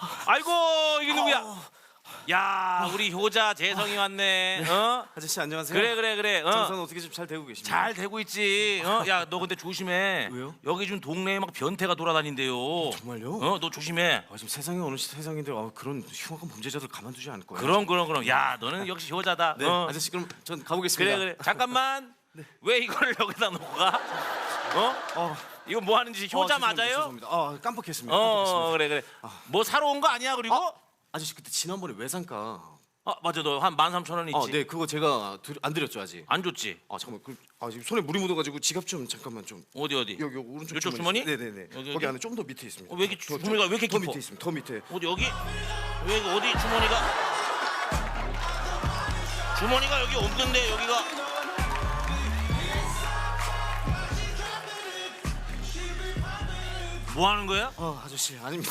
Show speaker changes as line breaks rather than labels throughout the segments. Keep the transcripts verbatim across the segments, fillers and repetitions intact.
아이고 이게 누구야? 야 우리 효자 재성이 왔네. 어?
아저씨 안녕하세요.
그래 그래 그래. 어?
장사는 어떻게 좀 잘 되고 계십니까?
잘 되고 있지. 어? 야 너 근데 조심해.
왜요?
여기 지금 동네에 막 변태가 돌아다닌대요.
정말요?
어? 너 조심해.
아, 지금 세상에 어느 세상인데 아, 그런 흉악한 범죄자들 가만두지 않을 거예요.
그럼 그럼 그럼. 야 너는 역시 효자다.
네,
어?
아저씨 그럼 전 가보겠습니다.
그래 그래. 잠깐만. 왜 이거를 여기다 놓고 가? 어?
어,
이거 뭐 하는지 효자
어, 죄송합니다,
맞아요?
죄송합니다. 아, 깜빡했습니다.
어
깜빡했습니다.
그래 그래. 뭐 사러 온 거 아니야 그리고?
아, 아저씨 그때 지난번에 외상가.
아 맞아 너 한 만 삼천 원 있지.
아, 네, 그거 제가 드, 안 드렸죠 아직.
안 줬지?
아, 잠깐만. 그, 아, 지금 손에 물이 묻어가지고 지갑 좀 잠깐만 좀.
어디 어디?
여기, 여기 오른쪽
이쪽 주머니?
네네네.
여기,
거기
여기?
안에 좀 더 밑에 있습니다.
어, 왜 이렇게
더,
주머니가 왜 이렇게
더
깊어?
밑에 있습니다. 더 밑에.
어디 여기? 왜 이거 어디 주머니가? 주머니가 여기 없는데 여기가. 뭐 하는 거야?
아, 아저씨 아닙니다.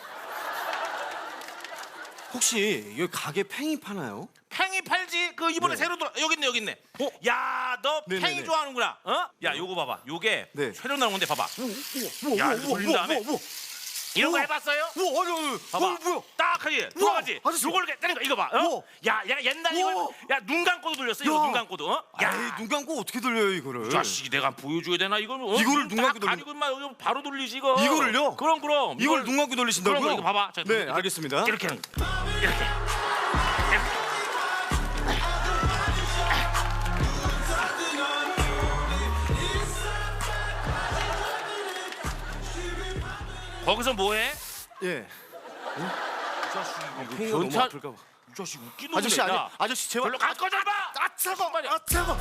혹시 여기 가게 팽이 파나요?
팽이 팔지? 그 이번에
네.
새로 들어 여기 있네 여기 있네.
어?
야 너
네네네.
팽이 좋아하는구나. 어? 야 요거 봐봐. 요게
네.
새로 나온 건데 봐봐.
우와,
야, 이거 돌린 다음에.
우와, 우와.
이런 거
우와.
해봤어요?
우와, 아니, 아니,
봐봐.
어, 뭐야?
딱 하지. 돌아가지.
아저씨.
요걸 이렇게 때리는 거 이거 봐. 어?
우와.
야, 야 옛날
우와.
이거 야눈 감고도 돌렸어. 이거
야.
눈 감고도. 어? 야.
야, 눈 감고 어떻게 돌려요 이거를?
자식이 내가 보여줘야 되나 이걸? 어?
이거를 눈 감고
딱 가리고 막 여기 바로 돌리지 이거.
이거를요?
그럼 그럼.
이걸 눈 감고 돌리신다고요?
그럼 이거 봐봐. 자,
네,
이렇게,
알겠습니다.
이렇게 하는 거. 이렇게. 이렇게. 거기서 뭐해?
예.
이 자식 이거
팽이가 너무
변태.
아플까 봐.
이 자식 웃기는
아저씨 아니,
야.
아저씨 제발.
별로 갈 거잖아.
아, 차고. 아, 차고.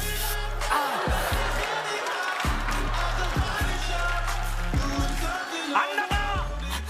안 나가.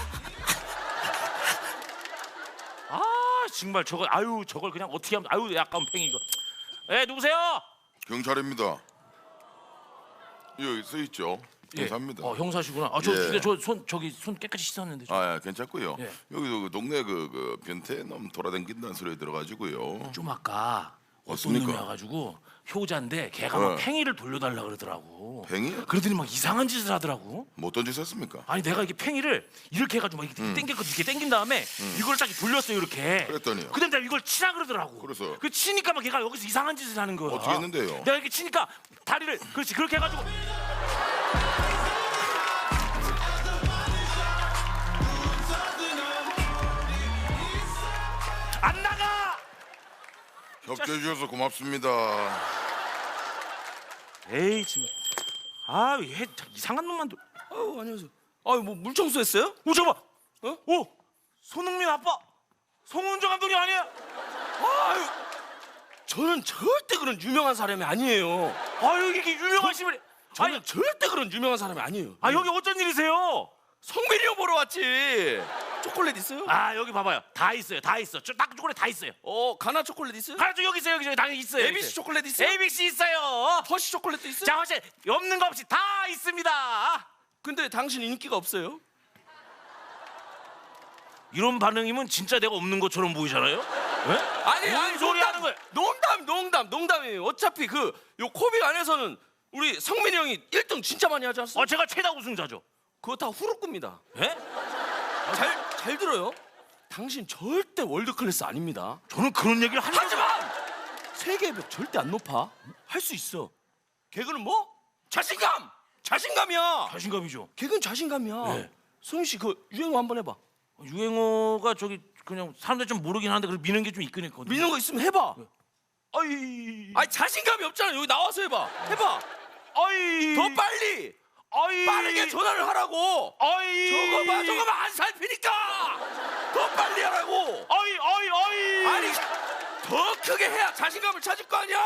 아 정말 저걸 아유 저걸 그냥 어떻게 하면 아유 약간 팽이 이거. 에 누구세요?
경찰입니다. 여기 써 있죠. 경사입니다.
어 형사시구나. 아저
예.
근데 저 손 저기 손 깨끗이 씻었는데. 저.
아, 예, 괜찮고요.
예.
여기도 그 동네 그, 그 변태 놈 돌아다닌다는 소리 들어가지고요.
좀 아까 어떤
맞습니까?
놈이 와가지고 효자인데 걔가 막
네.
팽이를 돌려달라 그러더라고.
팽이?
그러더니 막 이상한 짓을 하더라고.
못 던지셨습니까?
아니 내가 이게 팽이를 이렇게 해가지고 막 이렇게 땡겼거든. 이렇게 땡긴 다음에 이걸 딱 돌렸어요 이렇게.
그랬더니요?
근데 내가 이걸 치라 그러더라고.
그래서?
그 치니까 막 걔가 여기서 이상한 짓을 하는 거야.
어떻게 했는데요?
내가 이렇게 치니까 다리를 그렇지 그렇게 해가지고. 안 나가.
협조해 주셔서 고맙습니다.
에이 지금. 아얘 이상한 놈만. 도...
아유 안녕하세요. 아유 뭐 물청소했어요?
오 잠깐.
어?
오 손흥민 아빠 송은조 감독이 아니야?
아유 저는 절대 그런 유명한 사람이 아니에요.
아유 이게 유명하신 분이.
저는
아니
절대 그런 유명한 사람이 아니에요.
아 여기 어쩐 일이세요?
성민이 형 보러 왔지. 초콜릿 있어요?
아 여기 봐봐요 다 있어요 다 있어 저 딱 초콜릿 다 있어요.
어 가나 초콜릿 있어요?
가르쳐 여기 있어요 여기 있어요 당연히 있어요.
에이비씨 초콜릿 있어요?
에이비씨 있어요.
허쉬 초콜릿도 있어요?
자 혹시 없는 거 없이 다 있습니다.
근데 당신 인기가 없어요?
이런 반응이면 진짜 내가 없는 것처럼 보이잖아요. 네?
아니
뭔
아니
소리
농담,
하는 거야?
농담 농담 농담이에요. 어차피 그 요 코빅 안에서는 우리 성민이 형이 일 등 진짜 많이 하지 않았어?
어 제가 최다 우승자죠.
그거 다 후루꾸입니다.
예?
잘 잘 들어요. 당신 절대 월드 클래스 아닙니다.
저는 그런 얘기를 한 적이
하지만 세계의 벽 절대 안 높아. 할 수 있어. 개그는 뭐? 자신감. 자신감이야.
자신감이죠.
개그는 자신감이야.
네.
성윤 씨 그 유행어 한번 해봐.
유행어가 저기 그냥 사람들 좀 모르긴 하는데 그걸 미는 게 좀 있긴 있거든요.
미는 거 있으면 해봐.
아이
아니 자신감이 없잖아. 여기 나와서 해봐. 해봐.
아이
더 빨리.
아이
빠르게 전화를 하라고.
아이
저거 봐, 저거 봐, 안 살피니까. 더 빨리 하라고.
아이 아이 아이
아니 더 크게 해야 자신감을 찾을 거 아니야.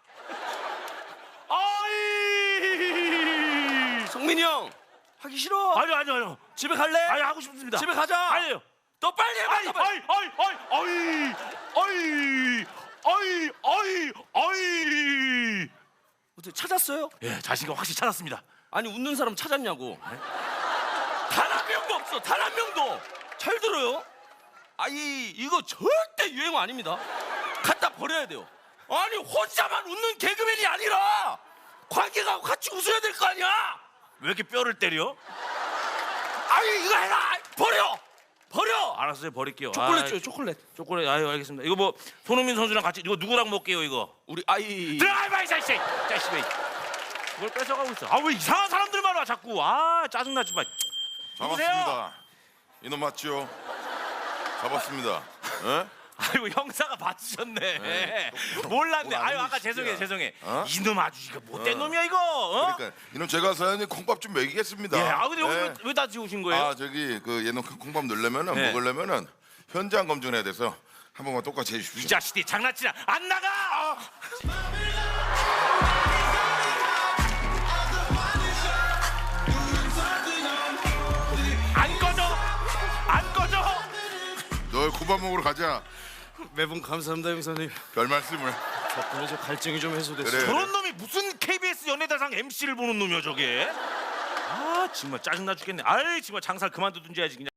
아이
성민이 형 하기 싫어.
아니 아니 아니
집에 갈래?
아니 하고 싶습니다.
집에 가자.
아니요.
더 빨리 해봐.
아이
더 빨리.
아이 아이 아이 아이 아이 아이 아이
어떻게 찾았어요?
예 자신감 확실히 찾았습니다.
아니 웃는 사람 찾았냐고. 단 한 명도 없어. 단 한 명도. 잘 들어요. 아이 이거 절대 유행어 아닙니다. 갖다 버려야 돼요. 아니 혼자만 웃는 개그맨이 아니라 관계가 같이 웃어야 될 거 아니야.
왜 이렇게 뼈를 때려?
아니 이거 해라. 버려. 버려.
알았어요, 버릴게요.
초콜릿
아,
줘요, 초콜릿.
초콜릿. 아유, 알겠습니다. 이거 뭐 손흥민 선수랑 같이 이거 누구랑 먹게요, 이거?
우리 아이.
드라이브 이 자식, 자식이. 그걸 뺏어가고 있어. 아, 왜 이상한 사람들만 와 자꾸. 아, 짜증나지 마. 누구세요?
잡았습니다. 이놈 맞죠? 잡았습니다. 예?
아이고 형사가 받으셨네.
네,
몰랐네.
뭘
아유
아는
아까
이
죄송해
새끼야.
죄송해.
어?
이놈 아주 이거 못된
어.
놈이야 이거. 어?
그러니까 이놈 제가 사연이 콩밥 좀 먹이겠습니다.
예. 아 근데 여기
예.
왜다 지우신 거예요?
아 저기 그 얘는 콩밥 넣으려면은
네.
먹으려면은 현장 검증해야 돼서 한 번만 똑같이
이
해주십시오.
자식이 장난치나 안 나가. 아. 안 꺼져. 안 꺼져.
너 콩밥 먹으러 가자.
매번 감사합니다 형사님.
별 말씀을.
덕분에 저 갈증이 좀 해소됐어요.
그래.
저런 놈이 무슨 케이비에스 연예대상 엠씨를 보는 놈이야 저게. 아 정말 짜증나 죽겠네. 아이 정말 장사 그만두든지 해야지 그냥.